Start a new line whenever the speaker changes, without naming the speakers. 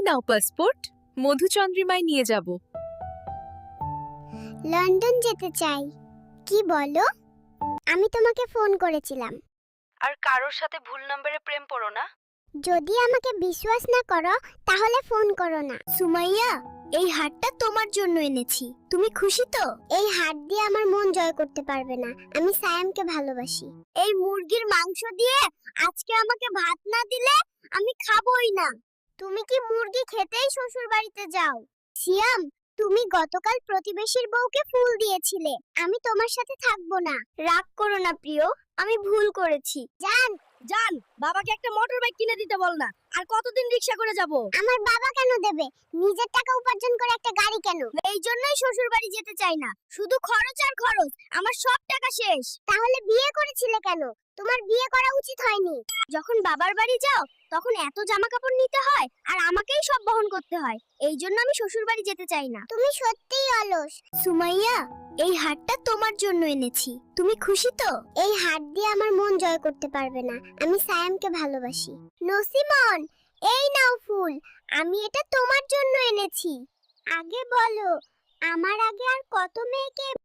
নাও passport, মধুচন্দ্রিমায় নিয়ে যাব।
London যেতে চাই। কি বলো? আমি তোমাকে ফোন করেছিলাম।
আর কারোর সাথে ভুল নম্বরে প্রেম পড়ো না।
যদি আমাকে বিশ্বাস না করো তাহলে ফোন করো না। সুমাইয়া, এই হারটা তোমার জন্য এনেছি। তুমি খুশি তো? এই হার দিয়ে আমার মন জয় করতে পারবে না। আমি সায়ামকে ভালোবাসি। এই মুরগির মাংস দিয়ে আজকে আমাকে ভাত না দিলে আমি খাবোই না। তুমি কি মুরগি খেতেই শ্বশুর বাড়িতে যাও? সিয়াম, তুমি গতকাল প্রতিবেশীর বউকে ফুল দিয়েছিলে। আমি তোমার সাথে থাকবো না। রাগ করো না প্রিয়, আমি ভুল করেছি। জান,
জান, বাবাকে একটা মোটর বাইক কিনে দিতে বল না। আর কতদিন রিকশা করে যাব?
আমার বাবা কেন দেবে? নিজের টাকা উপার্জন করে একটা গাড়ি কেন?
এই জন্যই শ্বশুর বাড়ি যেতে চাই না। শুধু খরচ আর খরচ, আমার সব টাকা শেষ।
তাহলে বিয়ে করেছিলে কেন? তোমার বিয়ে করা উচিত হয়নি।
যখন বাবার বাড়ি যাও তখন এত জামা কাপড় নিতে হয় আর আমাকেই সব বহন করতে হয়। এই জন্য আমি শ্বশুর বাড়ি যেতে চাই না।
তুমি সত্যিই অলস।
সুমাইয়া, এই হারটা তোমার জন্য এনেছি। তুমি খুশি তো?
এই হাত দিয়ে আমার মন জয় করতে পারবে না। আমি সায়ামকে ভালোবাসি। নসিমন, এই নাও ফুল। আমি এটা তোমার জন্য এনেছি। আগে বলো, আমার আগে আর কত মেয়েকে